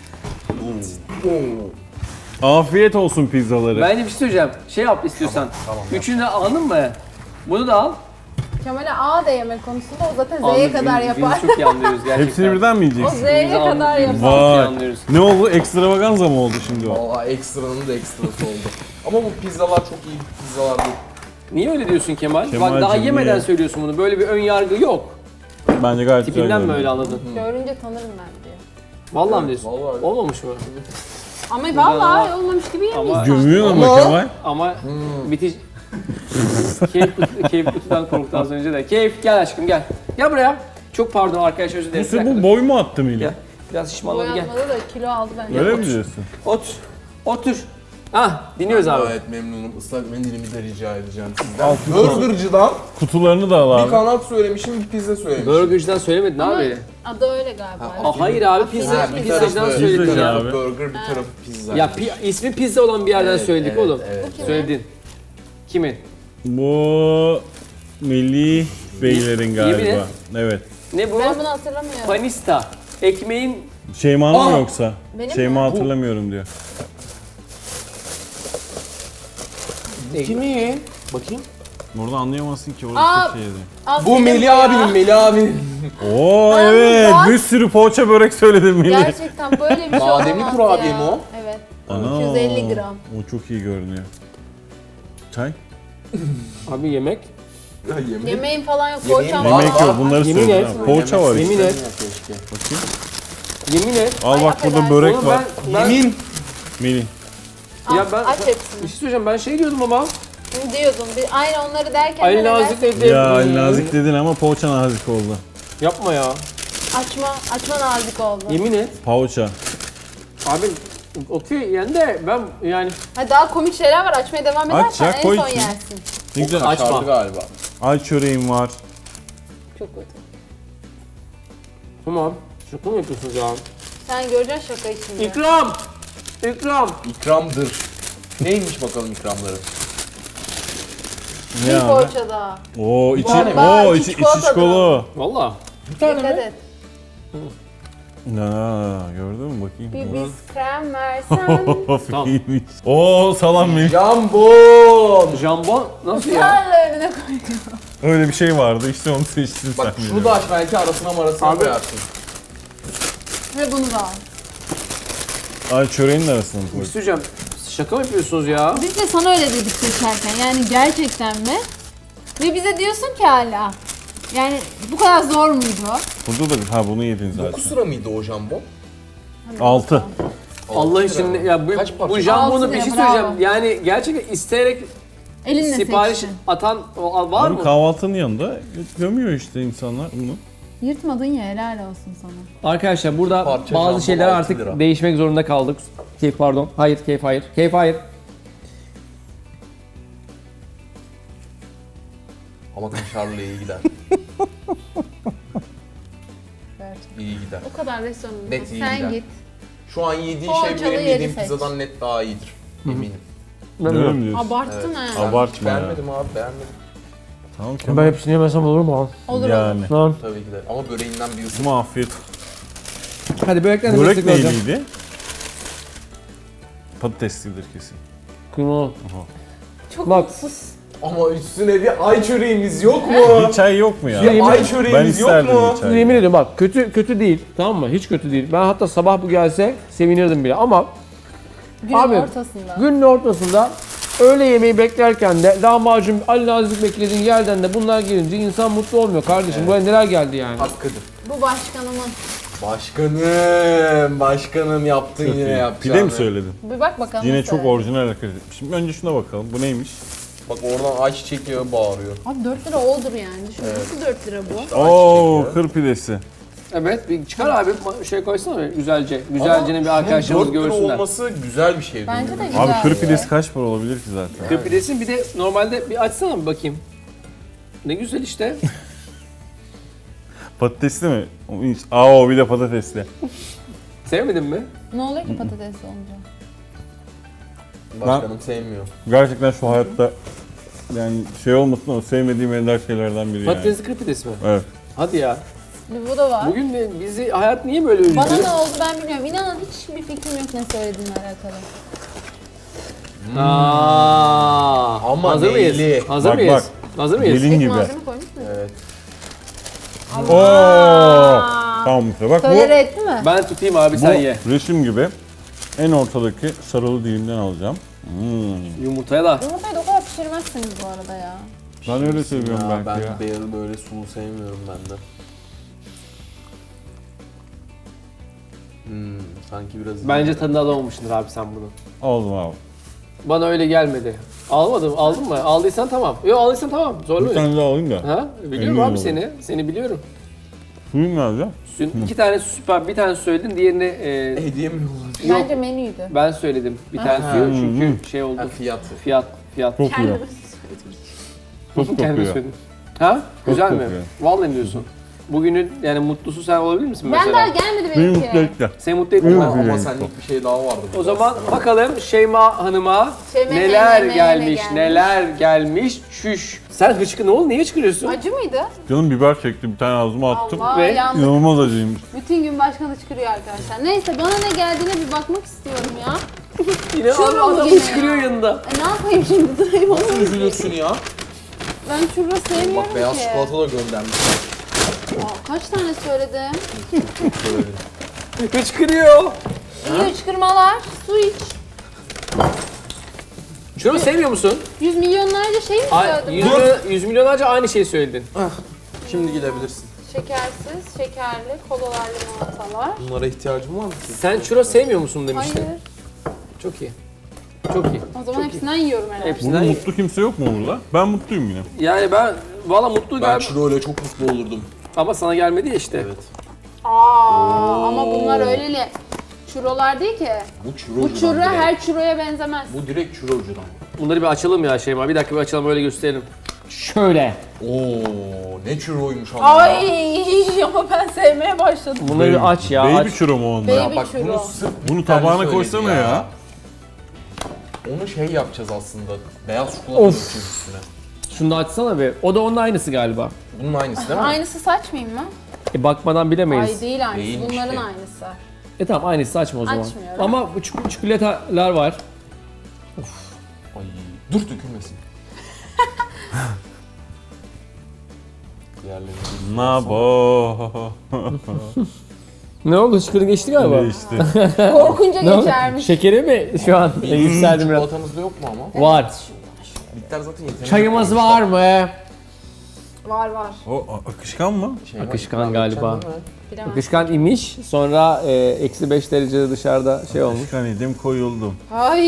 [SPEAKER 5] Oo.
[SPEAKER 3] Afiyet olsun pizzaları.
[SPEAKER 1] Bence bir şey söyleyeceğim. Şey yap istiyorsan. Üçünü de aldın mı? Bunu da al.
[SPEAKER 2] Kemal'e A da yemek konusunda o zaten Z'ye
[SPEAKER 1] Anladım.
[SPEAKER 2] kadar
[SPEAKER 1] Biz-
[SPEAKER 2] yapar.
[SPEAKER 1] Biz çok iyi anlıyoruz gerçekten.
[SPEAKER 3] Hepsini birden mi
[SPEAKER 2] O
[SPEAKER 3] yiyeceksin?
[SPEAKER 2] Z'ye
[SPEAKER 1] Biz
[SPEAKER 2] kadar
[SPEAKER 1] anlıyoruz.
[SPEAKER 2] yapar.
[SPEAKER 1] Biz çok iyi
[SPEAKER 3] Vay.
[SPEAKER 1] anlıyoruz.
[SPEAKER 3] Ne oldu? Ekstravaganza mı oldu şimdi o?
[SPEAKER 5] Valla ekstranın da ekstrası oldu. Ama bu pizzalar çok iyi pizzalar değil.
[SPEAKER 1] Niye öyle diyorsun Kemal? Bak
[SPEAKER 3] Kemal'cim,
[SPEAKER 1] daha yemeden
[SPEAKER 3] niye?
[SPEAKER 1] söylüyorsun bunu. Böyle bir ön yargı yok.
[SPEAKER 3] Bence gayet güzel.
[SPEAKER 1] Tipinden mi
[SPEAKER 3] görünüyor.
[SPEAKER 1] öyle anladın?
[SPEAKER 2] Görünce tanırım ben diyor.
[SPEAKER 1] Vallahi mi diyorsun?
[SPEAKER 5] Vallahi öyle.
[SPEAKER 1] Olmamış mı?
[SPEAKER 2] Ama vallahi olmamış gibi yemiş.
[SPEAKER 1] Ama
[SPEAKER 3] Gömüyor ama
[SPEAKER 5] Ama-
[SPEAKER 3] Kemal.
[SPEAKER 1] ama bitiş keyif, kut- keyif kutudan korktu az önce de. Keyif gel aşkım gel. Gel buraya. Çok pardon arkadaşlar özür
[SPEAKER 3] Bu,
[SPEAKER 1] dilerim. Bir
[SPEAKER 3] se-
[SPEAKER 1] dakika
[SPEAKER 3] bu
[SPEAKER 1] dur.
[SPEAKER 3] boy mu attı Melih?
[SPEAKER 1] Gel. Biraz şişmanladı gel.
[SPEAKER 2] Boyanmadı da kilo aldı bence.
[SPEAKER 3] Öyle mi diyorsun?
[SPEAKER 1] Otur. Otur. Ah dinliyoruz abi.
[SPEAKER 5] Evet memnunum. Islak mendilimi de rica edeceğim sizden.
[SPEAKER 3] Al,
[SPEAKER 5] Burgercı'dan
[SPEAKER 3] Kutularını da al
[SPEAKER 5] bir
[SPEAKER 3] abi.
[SPEAKER 5] kanat söylemişim, bir pizza söylemişim.
[SPEAKER 1] Burgercı'dan söylemedin
[SPEAKER 2] Ama
[SPEAKER 1] abi.
[SPEAKER 2] adı öyle galiba.
[SPEAKER 5] Ha,
[SPEAKER 1] Aa, hayır abi pizza,
[SPEAKER 5] Ha, bir
[SPEAKER 1] pizzacıdan
[SPEAKER 5] tarafı-
[SPEAKER 1] söyledin
[SPEAKER 3] Pizzacı
[SPEAKER 1] ya.
[SPEAKER 3] abi.
[SPEAKER 5] Bir tarafı burger, bir tarafı pizza.
[SPEAKER 1] Ya pi- ismi pizza olan bir yerden
[SPEAKER 5] Evet,
[SPEAKER 1] söyledik
[SPEAKER 5] evet,
[SPEAKER 1] oğlum.
[SPEAKER 5] evet.
[SPEAKER 1] Söyledin. Kimin?
[SPEAKER 3] Bu Melih Beylerin
[SPEAKER 1] Yemin
[SPEAKER 3] galiba.
[SPEAKER 1] et.
[SPEAKER 3] Evet.
[SPEAKER 1] Ne bu?
[SPEAKER 2] Ben bunu hatırlamıyorum.
[SPEAKER 1] Panista. Ekmeğin
[SPEAKER 3] Şeyma'nın mı
[SPEAKER 5] Aa!
[SPEAKER 3] yoksa?
[SPEAKER 2] Benim
[SPEAKER 3] Şeyma
[SPEAKER 2] mi?
[SPEAKER 3] hatırlamıyorum diyor.
[SPEAKER 5] Kimin?
[SPEAKER 1] bakayım.
[SPEAKER 3] Orada anlayamazsın ki orada
[SPEAKER 2] Aa!
[SPEAKER 3] çok şey yazıyor.
[SPEAKER 2] Al
[SPEAKER 5] Bu
[SPEAKER 2] benim
[SPEAKER 5] Melih
[SPEAKER 2] ya.
[SPEAKER 5] abinin, Melih abinin.
[SPEAKER 3] Oo
[SPEAKER 2] Ben
[SPEAKER 3] evet
[SPEAKER 2] bak-
[SPEAKER 3] bir sürü poğaça börek söyledim Melih.
[SPEAKER 2] Gerçekten böyle bir şey
[SPEAKER 5] Bademli
[SPEAKER 2] olamaz
[SPEAKER 5] kurabiye
[SPEAKER 2] ya.
[SPEAKER 5] mi o?
[SPEAKER 2] Evet.
[SPEAKER 3] Ana,
[SPEAKER 2] iki yüz elli gram.
[SPEAKER 3] O çok iyi görünüyor. Çay?
[SPEAKER 1] Abi yemek.
[SPEAKER 5] Ya yemin
[SPEAKER 2] Yemeğin falan yok.
[SPEAKER 5] Yemeğin
[SPEAKER 2] Poğaçam
[SPEAKER 5] var.
[SPEAKER 2] var.
[SPEAKER 3] Yemek yok bunları
[SPEAKER 1] Yemin
[SPEAKER 3] söylüyorum.
[SPEAKER 1] et.
[SPEAKER 3] ha. Poğaça var
[SPEAKER 1] Yemin
[SPEAKER 3] işte.
[SPEAKER 1] et.
[SPEAKER 3] Bakayım.
[SPEAKER 1] Yemin et.
[SPEAKER 3] Al
[SPEAKER 2] Ay,
[SPEAKER 3] bak burada
[SPEAKER 2] affedersin.
[SPEAKER 3] börek
[SPEAKER 1] Oğlum
[SPEAKER 3] var.
[SPEAKER 1] ben, ben
[SPEAKER 5] Yemin.
[SPEAKER 3] Melih.
[SPEAKER 1] Ya
[SPEAKER 2] Al,
[SPEAKER 1] ben-
[SPEAKER 2] aç
[SPEAKER 1] bir
[SPEAKER 2] hepsini.
[SPEAKER 1] şey söyleyeceğim ben şey diyordum ama.
[SPEAKER 2] Ne diyordun? Bir, aynı onları derken
[SPEAKER 1] Ali
[SPEAKER 2] neler?
[SPEAKER 1] Nazik dedi.
[SPEAKER 3] Ya Ali Nazik dedin ama poğaça nazik oldu.
[SPEAKER 1] Yapma ya.
[SPEAKER 2] Açma, açma nazik oldu.
[SPEAKER 1] Yemin et.
[SPEAKER 3] Poğaça.
[SPEAKER 1] Abi okey yani de ben yani
[SPEAKER 2] Ha, daha komik şeyler var. Açmaya devam
[SPEAKER 3] Aç
[SPEAKER 2] edersen
[SPEAKER 3] ya,
[SPEAKER 2] en
[SPEAKER 3] koy
[SPEAKER 2] son
[SPEAKER 3] içine.
[SPEAKER 2] yersin.
[SPEAKER 3] Ne güzel.
[SPEAKER 1] Açma.
[SPEAKER 5] Açardı galiba.
[SPEAKER 3] Ay çöreğim var.
[SPEAKER 2] Çok kötü.
[SPEAKER 1] tamam. Şaka mı yapıyorsunuz ya?
[SPEAKER 2] Sen göreceksin şaka içinde.
[SPEAKER 1] İkram! İkram!
[SPEAKER 5] İkramdır. Neymiş bakalım ikramları?
[SPEAKER 3] Ne
[SPEAKER 2] Bir
[SPEAKER 3] abi?
[SPEAKER 2] poğaça daha.
[SPEAKER 3] Oo içi,
[SPEAKER 2] Bomba,
[SPEAKER 3] oo
[SPEAKER 2] içi
[SPEAKER 3] içi, içi
[SPEAKER 2] çikolatalı.
[SPEAKER 3] çikolata.
[SPEAKER 1] Valla.
[SPEAKER 2] Dikkat et.
[SPEAKER 3] Na, gördün mü bakayım.
[SPEAKER 2] Bir biskrem versen.
[SPEAKER 3] Of iyiymiş. Oo salammış.
[SPEAKER 5] Jambon!
[SPEAKER 1] Jambon nasıl ya?
[SPEAKER 2] Yarla önüne koyuyor.
[SPEAKER 3] Öyle bir şey vardı işte onu seçtin sen.
[SPEAKER 5] Bak şunu
[SPEAKER 3] biliyorum.
[SPEAKER 5] da aç belki arasına marasına
[SPEAKER 1] Abi-
[SPEAKER 5] koyarsın.
[SPEAKER 2] Ve bunu da al.
[SPEAKER 3] Ay çöreğin arasına mı
[SPEAKER 1] Bir
[SPEAKER 3] koy?
[SPEAKER 1] şey söyleyeceğim. Siz şaka mı yapıyorsunuz ya?
[SPEAKER 2] Biz de sana öyle dedik seçerken. Yani gerçekten mi? Ve bize diyorsun ki hala. Yani bu kadar zor muydu?
[SPEAKER 3] Burada da ha bunu yedin zaten.
[SPEAKER 5] dokuz lira mıydı o jambon?
[SPEAKER 3] altı.
[SPEAKER 1] Allah için ya bu,
[SPEAKER 5] Kaç parça?
[SPEAKER 1] bu jambonu
[SPEAKER 2] Altı
[SPEAKER 1] bir şey
[SPEAKER 2] lira, bravo.
[SPEAKER 1] söyleyeceğim. Yani gerçekten isteyerek
[SPEAKER 2] Elinle
[SPEAKER 1] sipariş
[SPEAKER 2] seçtin.
[SPEAKER 1] atan o- var
[SPEAKER 3] Abi
[SPEAKER 1] mı?
[SPEAKER 3] kahvaltının yanında gömüyor işte insanlar bunu.
[SPEAKER 2] Yırtmadın ya, helal olsun sana.
[SPEAKER 1] Arkadaşlar burada
[SPEAKER 5] Parça
[SPEAKER 1] bazı
[SPEAKER 5] jambon
[SPEAKER 1] şeyler
[SPEAKER 5] altı
[SPEAKER 1] artık
[SPEAKER 5] lira.
[SPEAKER 1] değişmek zorunda kaldık. Keyif pardon. Hayır, keyif hayır. Keyif hayır.
[SPEAKER 5] Ama kaşarlı iyi gider. İyi gider.
[SPEAKER 2] O kadar restoranında.
[SPEAKER 5] Net iyi
[SPEAKER 2] Sen
[SPEAKER 5] gider.
[SPEAKER 2] git.
[SPEAKER 5] Şu an yediğin
[SPEAKER 2] Poğaçalı
[SPEAKER 5] şey benim
[SPEAKER 2] yeri
[SPEAKER 5] yediğim
[SPEAKER 2] seç.
[SPEAKER 5] pizzadan net daha iyidir. Eminim.
[SPEAKER 3] Öyle mi diyorsun?
[SPEAKER 2] Abarttın ha.
[SPEAKER 5] Ben
[SPEAKER 3] Abartma ya.
[SPEAKER 5] beğenmedim abi beğenmedim.
[SPEAKER 3] Tamam
[SPEAKER 1] Ben hepsini yemesem olur mu?
[SPEAKER 2] Olur
[SPEAKER 3] Yani.
[SPEAKER 2] olur.
[SPEAKER 1] Tamam.
[SPEAKER 5] Tabii ki de. Ama böreğinden bir ısır.
[SPEAKER 3] Ama afiyet.
[SPEAKER 1] Hadi börekten de
[SPEAKER 3] Börek
[SPEAKER 1] destek olacağım.
[SPEAKER 3] neyliydi? Patateslidir kesin.
[SPEAKER 1] Kıymalı.
[SPEAKER 2] Çok
[SPEAKER 1] Bak.
[SPEAKER 2] mutsuz.
[SPEAKER 5] Ama üstüne bir ay çöreğimiz yok mu?
[SPEAKER 3] Bir çay yok mu ya?
[SPEAKER 1] Ya yemin-
[SPEAKER 5] ay
[SPEAKER 3] Ben
[SPEAKER 5] çöreğimiz yok
[SPEAKER 3] isterdim
[SPEAKER 5] mu?
[SPEAKER 3] bir çay.
[SPEAKER 1] Yemin ediyorum bak kötü kötü değil, tamam mı? Hiç kötü değil. Ben hatta sabah bu gelse sevinirdim bile ama
[SPEAKER 2] Günün
[SPEAKER 1] Abi,
[SPEAKER 2] ortasında.
[SPEAKER 1] günün ortasında öğle yemeği beklerken de lahmacun Ali Nazik beklediğin yerden de bunlar gelince insan mutlu olmuyor kardeşim. Buraya neler geldi yani?
[SPEAKER 5] Hakkıdır.
[SPEAKER 2] Bu başkanımın.
[SPEAKER 5] Başkanım, başkanım yaptın
[SPEAKER 3] Çok
[SPEAKER 5] yine
[SPEAKER 3] iyi.
[SPEAKER 5] yapacağını.
[SPEAKER 3] Pide mi söyledin?
[SPEAKER 2] Bir bak bakalım.
[SPEAKER 3] Yine
[SPEAKER 2] nasıl
[SPEAKER 3] çok
[SPEAKER 2] öyle.
[SPEAKER 3] orijinal hareket etmişim. Önce şuna bakalım. Bu neymiş?
[SPEAKER 5] Bak oradan ayçiçek yağı bağırıyor.
[SPEAKER 2] Abi dört lira oldur yani. Düşün. Nasıl dört lira bu?
[SPEAKER 3] Oo, kır pidesi.
[SPEAKER 1] Evet, bir çıkar abi şey koysana bir güzelce. Güzelce'nin bir arkadaşlarımız
[SPEAKER 5] dört lira
[SPEAKER 1] görsünler.
[SPEAKER 5] olması güzel bir şey.
[SPEAKER 2] Bence de
[SPEAKER 5] değil mi?
[SPEAKER 2] güzel.
[SPEAKER 3] Abi kır pidesi kaç para olabilir ki zaten?
[SPEAKER 1] Kır pidesini bir de normalde bir açsana bir bakayım. Ne güzel işte.
[SPEAKER 3] Patatesli mi? O hiç- Aa o bir de patatesli.
[SPEAKER 1] Sevmedin mi?
[SPEAKER 2] Ne oluyor ki patates olunca?
[SPEAKER 5] Başkanım sevmiyor.
[SPEAKER 3] Gerçekten şu hayatta yani şey olmasın ama sevmediğim ender şeylerden biri yani.
[SPEAKER 1] Patatesli kır pidesi mi?
[SPEAKER 3] Evet.
[SPEAKER 1] Hadi ya.
[SPEAKER 2] Bir bu da var.
[SPEAKER 1] Bugün de bizi hayat niye böyle üzdü?
[SPEAKER 2] Bana ne oldu ben bilmiyorum. İnanın hiçbir fikrim yok ne söylediğinle alakalı.
[SPEAKER 1] Aa,
[SPEAKER 5] Ama
[SPEAKER 1] hazır mıyız?
[SPEAKER 5] neyli?
[SPEAKER 1] Hazır
[SPEAKER 3] Bak,
[SPEAKER 1] mıyız?
[SPEAKER 3] bak.
[SPEAKER 1] Hazır mıyız?
[SPEAKER 3] Gelin
[SPEAKER 2] Tek
[SPEAKER 3] gibi.
[SPEAKER 2] malzeme koymuş muydun?
[SPEAKER 5] Evet.
[SPEAKER 3] Oo! Tamam işte bak
[SPEAKER 2] Tolere
[SPEAKER 3] bu
[SPEAKER 2] etti mi?
[SPEAKER 1] Ben tutayım abi
[SPEAKER 3] bu
[SPEAKER 1] sen ye.
[SPEAKER 3] resim gibi en ortadaki sarılı dilimden alacağım. Hmm.
[SPEAKER 1] Yumurtaya da.
[SPEAKER 2] Yumurtayı da o kadar pişirmezsiniz bu arada ya.
[SPEAKER 3] Ben öyle seviyorum
[SPEAKER 5] Ya,
[SPEAKER 3] belki
[SPEAKER 5] ben
[SPEAKER 3] ya.
[SPEAKER 5] beyazı böyle sulu sevmiyorum ben de. Hmm, sanki biraz...
[SPEAKER 1] Bence tadını alamamışsındır abi sen bunu.
[SPEAKER 3] Aldım abi.
[SPEAKER 1] Bana öyle gelmedi. Almadım, aldın mı? Aldıysan tamam. Yok aldıysan tamam.
[SPEAKER 3] Bir
[SPEAKER 1] Zorluyor.
[SPEAKER 3] tane daha alayım da.
[SPEAKER 1] Ha? Biliyorum
[SPEAKER 3] Eminim
[SPEAKER 1] abi
[SPEAKER 3] olayım.
[SPEAKER 1] seni. Seni biliyorum.
[SPEAKER 3] Suyum nerede?
[SPEAKER 1] Dün iki tane süper, bir tane söyledin, diğerini e,
[SPEAKER 5] Hediye mi yollamış?
[SPEAKER 1] Yok.
[SPEAKER 2] Bence menüydü.
[SPEAKER 1] ben söyledim. Bir tane
[SPEAKER 5] Ha.
[SPEAKER 1] suyu çünkü şey oldu.
[SPEAKER 5] Ha, fiyatı.
[SPEAKER 1] Fiyat, fiyat.
[SPEAKER 3] Kokuyor. Çok
[SPEAKER 1] Kendimi
[SPEAKER 3] kokuyor.
[SPEAKER 1] söyledim. Ha? Güzel mi?
[SPEAKER 3] kokuyor.
[SPEAKER 1] Vallahi mi diyorsun? Bugünün yani mutlusu sen olabilir misin
[SPEAKER 2] Ben
[SPEAKER 1] mesela?
[SPEAKER 2] daha gelmedi
[SPEAKER 3] Beni mutlu
[SPEAKER 2] benimki.
[SPEAKER 3] etti.
[SPEAKER 1] Seni mutlu ettin mi?
[SPEAKER 5] Ama, ama
[SPEAKER 3] Evet.
[SPEAKER 5] senlik bir şey daha vardı.
[SPEAKER 1] O zaman bakalım Şeyma Hanım'a
[SPEAKER 2] Şeyma
[SPEAKER 1] neler
[SPEAKER 2] Hanım'a ne
[SPEAKER 1] gelmiş,
[SPEAKER 2] gelmiş?
[SPEAKER 1] neler gelmiş. Şüş. Sen hıçkı ne oldu? Niye hıçkırıyorsun?
[SPEAKER 2] Acı mıydı?
[SPEAKER 3] Canım biber çekti bir tane ağzıma attım.
[SPEAKER 2] Allah
[SPEAKER 1] Ve
[SPEAKER 2] yandık.
[SPEAKER 3] İnanılmaz acıymış.
[SPEAKER 2] Bütün gün başkan çıkırıyor arkadaşlar. Neyse bana ne geldiğine bir bakmak istiyorum ya.
[SPEAKER 1] Yine
[SPEAKER 2] Şurada
[SPEAKER 1] adam,
[SPEAKER 2] mı
[SPEAKER 1] adam
[SPEAKER 2] gene
[SPEAKER 1] hıçkırıyor
[SPEAKER 2] ya?
[SPEAKER 1] yanında.
[SPEAKER 2] E ne yapayım şimdi durayım onu.
[SPEAKER 5] Nasıl üzülürsün ya?
[SPEAKER 2] Ben churro sevmiyorum
[SPEAKER 5] Bak beyaz
[SPEAKER 2] ki.
[SPEAKER 5] çikolata da göndermişler.
[SPEAKER 2] Aa, kaç tane söyledim?
[SPEAKER 1] Hıçkırıyor.
[SPEAKER 2] İyi hıçkırmalar. Su iç.
[SPEAKER 1] Şunu sevmiyor musun?
[SPEAKER 2] Yüz milyonlarca şey mi
[SPEAKER 1] Ay,
[SPEAKER 2] söyledim
[SPEAKER 1] yüz,
[SPEAKER 2] ben?
[SPEAKER 1] milyon, yüz milyonlarca aynı şeyi söyledin.
[SPEAKER 5] Şimdi gidebilirsin.
[SPEAKER 2] Şekersiz, şekerli, kolalar, limonatalar.
[SPEAKER 5] Bunlara ihtiyacım var mı ki?
[SPEAKER 1] Sen churro sevmiyor musun demiştin.
[SPEAKER 2] Hayır.
[SPEAKER 1] Çok iyi. Çok iyi.
[SPEAKER 2] O zaman hepsinden yiyorum herhalde.
[SPEAKER 1] Hepsinden
[SPEAKER 3] Burada
[SPEAKER 1] iyi.
[SPEAKER 3] mutlu kimse yok mu burada? Ben mutluyum yine.
[SPEAKER 1] Yani ben valla mutlu
[SPEAKER 5] Ben
[SPEAKER 1] gel
[SPEAKER 5] churro ile çok mutlu olurdum.
[SPEAKER 1] ama sana gelmedi ya işte.
[SPEAKER 5] Evet.
[SPEAKER 2] Aa, ama bunlar öyle churrolar değil ki.
[SPEAKER 5] Bu churro
[SPEAKER 2] Bu churro her churroya benzemez.
[SPEAKER 5] Bu direkt churrocudan.
[SPEAKER 1] Bunları bir açalım ya Şeyma. Bir dakika bir açalım öyle gösterelim. Şöyle.
[SPEAKER 5] Oo, ne churroymuş ama.
[SPEAKER 2] Ay ama ben sevmeye başladım.
[SPEAKER 1] Bunları bir aç ya.
[SPEAKER 3] Baby
[SPEAKER 1] aç.
[SPEAKER 3] churro mu onlar?
[SPEAKER 2] Baby
[SPEAKER 5] Bak bunu
[SPEAKER 2] churro.
[SPEAKER 5] sırf
[SPEAKER 3] Bunu
[SPEAKER 5] bir tane
[SPEAKER 3] tabağına
[SPEAKER 5] söyledi
[SPEAKER 3] koysana ya.
[SPEAKER 5] Onu şey yapacağız aslında. Beyaz çikolata
[SPEAKER 1] Of.
[SPEAKER 5] dökeceğiz üstüne.
[SPEAKER 1] Şunu da açsana bir. O da onun aynısı galiba.
[SPEAKER 5] Bunun aynısı değil mi?
[SPEAKER 2] Aynısı saçmayayım mı?
[SPEAKER 1] E bakmadan bilemeyiz.
[SPEAKER 2] Ay değil aynısı.
[SPEAKER 5] Değilmiş
[SPEAKER 2] Bunların
[SPEAKER 5] de.
[SPEAKER 2] aynısı.
[SPEAKER 1] E tamam aynısı açma o zaman.
[SPEAKER 2] Açmıyorum.
[SPEAKER 1] Ama bu çik- çikolatalar var.
[SPEAKER 5] Ay dur dökülmesin. Diğerleri
[SPEAKER 3] Nabo.
[SPEAKER 1] Ne oldu? Şıkırı geçti galiba.
[SPEAKER 3] işte.
[SPEAKER 2] Korkunca
[SPEAKER 1] Ne oldu?
[SPEAKER 2] geçermiş.
[SPEAKER 1] Şekeri mi şu an e, yükseldim biraz?
[SPEAKER 5] Çikolatamızda yok mu ama?
[SPEAKER 1] Var.
[SPEAKER 5] Bitter zaten yeterli.
[SPEAKER 1] Çayımız var mı?
[SPEAKER 2] Var var.
[SPEAKER 3] O a- akışkan mı?
[SPEAKER 5] Şey var,
[SPEAKER 1] Akışkan
[SPEAKER 5] ikram
[SPEAKER 1] galiba.
[SPEAKER 5] edeceksin değil mi?
[SPEAKER 2] Bilemem.
[SPEAKER 1] Akışkan imiş. Sonra e, eksi beş derecede dışarıda şey olmuş.
[SPEAKER 3] Akışkan idim koyuldum.
[SPEAKER 2] Ay.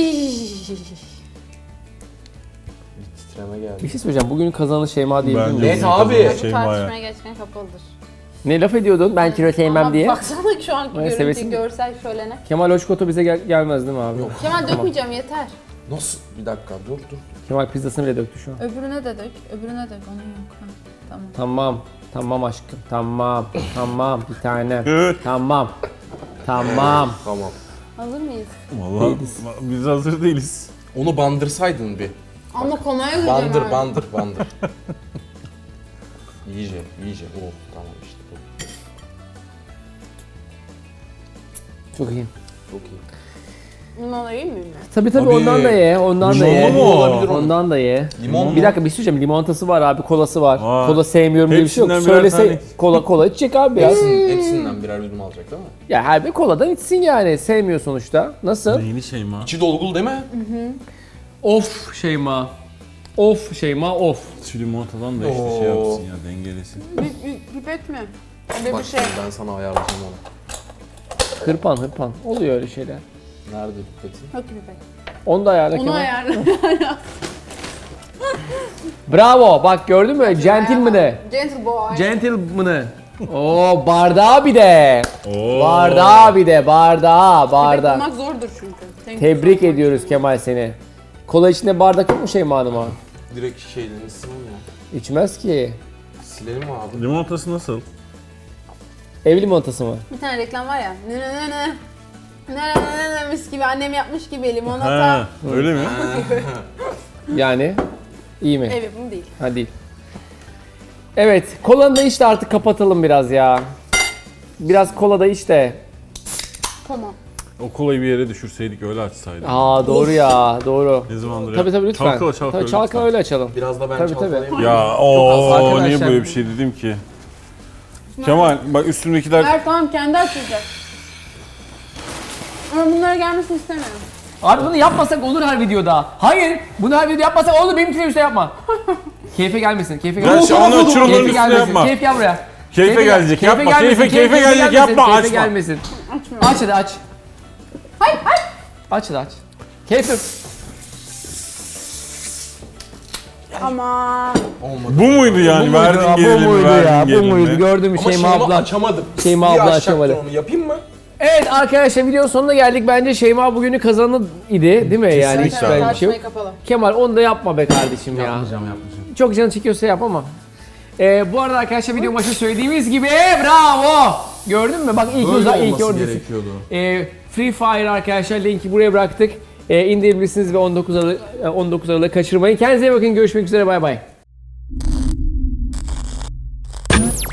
[SPEAKER 5] Bir titreme geldi.
[SPEAKER 1] Bir şey söyleyeceğim. Bugünün kazananı Şeyma diyebilir
[SPEAKER 3] Bence
[SPEAKER 1] miyim?
[SPEAKER 5] Net
[SPEAKER 3] bugün
[SPEAKER 5] abi.
[SPEAKER 3] kazanan
[SPEAKER 2] Bu
[SPEAKER 3] Şeyma ya.
[SPEAKER 2] tartışmaya geçken kapalıdır.
[SPEAKER 1] Ne laf ediyordun? Ben kilo sevmem
[SPEAKER 2] Ama
[SPEAKER 1] diye.
[SPEAKER 2] baksana şu anki
[SPEAKER 1] Ay,
[SPEAKER 2] görüntü,
[SPEAKER 1] sevesin.
[SPEAKER 2] görsel şölene.
[SPEAKER 1] Kemal Hoşkoto bize gel- gelmez değil mi abi?
[SPEAKER 5] Yok.
[SPEAKER 2] Kemal dökmeyeceğim yeter.
[SPEAKER 5] Nasıl? Bir dakika dur dur.
[SPEAKER 1] Kemal pizzasını bile döktü şu an.
[SPEAKER 2] Öbürüne de dök. Öbürüne dök. Onun yok. Ha, tamam.
[SPEAKER 1] Tamam. Tamam aşkım. Tamam. Tamam. Bir tane.
[SPEAKER 3] Evet.
[SPEAKER 1] Tamam. Tamam.
[SPEAKER 5] Tamam.
[SPEAKER 2] Hazır mıyız?
[SPEAKER 3] Vallahi
[SPEAKER 1] Değiliz.
[SPEAKER 3] biz hazır değiliz.
[SPEAKER 5] Onu bandırsaydın bir.
[SPEAKER 2] Ama komaya gireceğim
[SPEAKER 5] Bandır
[SPEAKER 2] abi.
[SPEAKER 5] bandır bandır. iyice iyice. Oh tamam işte bu.
[SPEAKER 1] Çok iyi.
[SPEAKER 5] Çok iyi.
[SPEAKER 2] Limon yiyeyim mi?
[SPEAKER 1] Tabii tabii
[SPEAKER 3] Abi,
[SPEAKER 1] ondan da ye. Ondan da
[SPEAKER 3] limonlu
[SPEAKER 1] ye.
[SPEAKER 3] mu?
[SPEAKER 5] Olabilir onun.
[SPEAKER 1] Ondan da ye.
[SPEAKER 5] Limon
[SPEAKER 1] Bir
[SPEAKER 5] mu?
[SPEAKER 1] dakika bir şey söyleyeceğim. Limonatası var abi, kolası var.
[SPEAKER 3] Var.
[SPEAKER 1] Kola sevmiyorum diye bir şey yok.
[SPEAKER 3] Hepsinden birer
[SPEAKER 1] Söylese
[SPEAKER 3] tane.
[SPEAKER 1] kola kola içecek abi biraz.
[SPEAKER 5] Hepsinden, hepsinden birer yudum alacak değil mi?
[SPEAKER 1] Ya her bir koladan içsin yani. Sevmiyor sonuçta. Nasıl?
[SPEAKER 3] Neyini Şeyma?
[SPEAKER 5] İçi dolgulu değil mi?
[SPEAKER 1] Of Şeyma. Of Şeyma of.
[SPEAKER 3] Şu limonatadan da işte
[SPEAKER 5] Oo.
[SPEAKER 3] şey yapsın ya dengelesin.
[SPEAKER 2] Pipet mi? Öyle
[SPEAKER 5] Bak
[SPEAKER 2] bir şey.
[SPEAKER 5] şimdi ben sana ayarlayacağım onu.
[SPEAKER 1] Hırpan hırpan. Oluyor öyle şeyler.
[SPEAKER 5] Nerede pipetin?
[SPEAKER 2] Yok pipet.
[SPEAKER 1] Onu da ayarla
[SPEAKER 2] Onu
[SPEAKER 1] Kemal.
[SPEAKER 2] ayarla.
[SPEAKER 1] Bravo. Bak gördün mü? Gentleman'ı.
[SPEAKER 2] Gentle boy.
[SPEAKER 1] Gentleman'ı. Oo bardağı bir de.
[SPEAKER 3] Oo.
[SPEAKER 1] Bardağı bir de. Bardağı.
[SPEAKER 2] Pipet
[SPEAKER 1] Bardağı.
[SPEAKER 2] bulmak zordur çünkü. Thank
[SPEAKER 1] Tebrik
[SPEAKER 2] you so much.
[SPEAKER 1] ediyoruz Kemal seni. Kola içinde bardak yok mu Şeyma Hanım'a?
[SPEAKER 5] Direkt şeylerini silin ya.
[SPEAKER 1] İçmez ki.
[SPEAKER 5] Silelim mi abi?
[SPEAKER 3] Limonatası nasıl?
[SPEAKER 1] Ev limonatası mı?
[SPEAKER 2] Bir tane reklam var ya. Ne ne ne ne. Ne ne ne ne mis gibi annem yapmış gibi limonata.
[SPEAKER 3] Ha, öyle mi?
[SPEAKER 1] Yani iyi mi?
[SPEAKER 2] Ev yapımı değil.
[SPEAKER 1] Ha değil. Evet, kolanı da iç de artık kapatalım biraz ya. Biraz kola da iç de.
[SPEAKER 2] Tamam.
[SPEAKER 3] O kolayı bir yere düşürseydik öyle açsaydık.
[SPEAKER 1] Aa doğru ya, doğru.
[SPEAKER 3] Ne zamandır
[SPEAKER 1] Tabii tabii lütfen.
[SPEAKER 3] Çalkala çalkala.
[SPEAKER 1] Tabii çalkala
[SPEAKER 3] lütfen.
[SPEAKER 1] öyle açalım.
[SPEAKER 5] Biraz da ben
[SPEAKER 1] Tabii, tabii.
[SPEAKER 5] çalkalayayım.
[SPEAKER 3] Ya ooo
[SPEAKER 1] Arkadaşlar-
[SPEAKER 3] niye böyle bir şey dedim ki? Kemal bak üstümdekiler
[SPEAKER 2] Ver tamam kendi açacak. Ama bunlara gelmesini istemiyorum.
[SPEAKER 1] Abi bunu yapmasak olur her videoda. Hayır, bunu her videoda yapmasak olur, benim üstüne yapma. Keyfe gelmesin, keyfe
[SPEAKER 3] Ben
[SPEAKER 1] gelmesin.
[SPEAKER 3] şu an açır onların
[SPEAKER 1] Keyfe
[SPEAKER 3] üstüne
[SPEAKER 1] gelmesin,
[SPEAKER 3] yapma.
[SPEAKER 1] keyif gel buraya.
[SPEAKER 3] Keyfe
[SPEAKER 1] gel-
[SPEAKER 3] gelecek yapma.
[SPEAKER 1] gelmesin,
[SPEAKER 3] Keyfe keyfe gelecek
[SPEAKER 1] gelmesin,
[SPEAKER 3] yapma
[SPEAKER 1] keyfe
[SPEAKER 3] açma.
[SPEAKER 1] gelmesin.
[SPEAKER 2] Açmıyorum.
[SPEAKER 1] Aç hadi aç.
[SPEAKER 2] Hayır hayır.
[SPEAKER 1] Aç hadi aç. Keyfe.
[SPEAKER 2] Aman.
[SPEAKER 5] Olmadı.
[SPEAKER 3] Bu muydu yani? Verdin
[SPEAKER 1] ya, bu
[SPEAKER 3] gerilimi,
[SPEAKER 1] muydu
[SPEAKER 3] verdin
[SPEAKER 1] ya, bu
[SPEAKER 3] gerilimi.
[SPEAKER 1] muydu? Gördüm
[SPEAKER 5] Ama
[SPEAKER 1] Şeyma
[SPEAKER 5] Şeyma
[SPEAKER 1] abla.
[SPEAKER 5] açamadım.
[SPEAKER 1] Şeyma
[SPEAKER 5] Bir
[SPEAKER 1] abla
[SPEAKER 5] açacaktın
[SPEAKER 1] açamadı.
[SPEAKER 5] onu yapayım mı?
[SPEAKER 1] Evet arkadaşlar videonun sonuna geldik. Bence Şeyma bugünü kazanı idi değil mi? Yani hiç
[SPEAKER 3] Kesinlikle.
[SPEAKER 1] böyle bir şey yok.
[SPEAKER 2] Tartışmayı kapalı.
[SPEAKER 1] Kemal onu da yapma be kardeşim ya.
[SPEAKER 5] Yapmayacağım yapmayacağım.
[SPEAKER 1] Çok canı çekiyorsa yap ama. Ee, bu arada arkadaşlar video başında söylediğimiz gibi bravo. Gördün mü? Bak ilk
[SPEAKER 4] Böyle
[SPEAKER 1] uzak ilk
[SPEAKER 4] olması
[SPEAKER 1] orada.
[SPEAKER 4] gerekiyordu.
[SPEAKER 1] Ee, Free Fire arkadaşlar linki buraya bıraktık. Ee, indirebilirsiniz ve on dokuz Aralık on dokuz Aralık'ı kaçırmayın. Kendinize iyi bakın. Görüşmek üzere. Bay bay.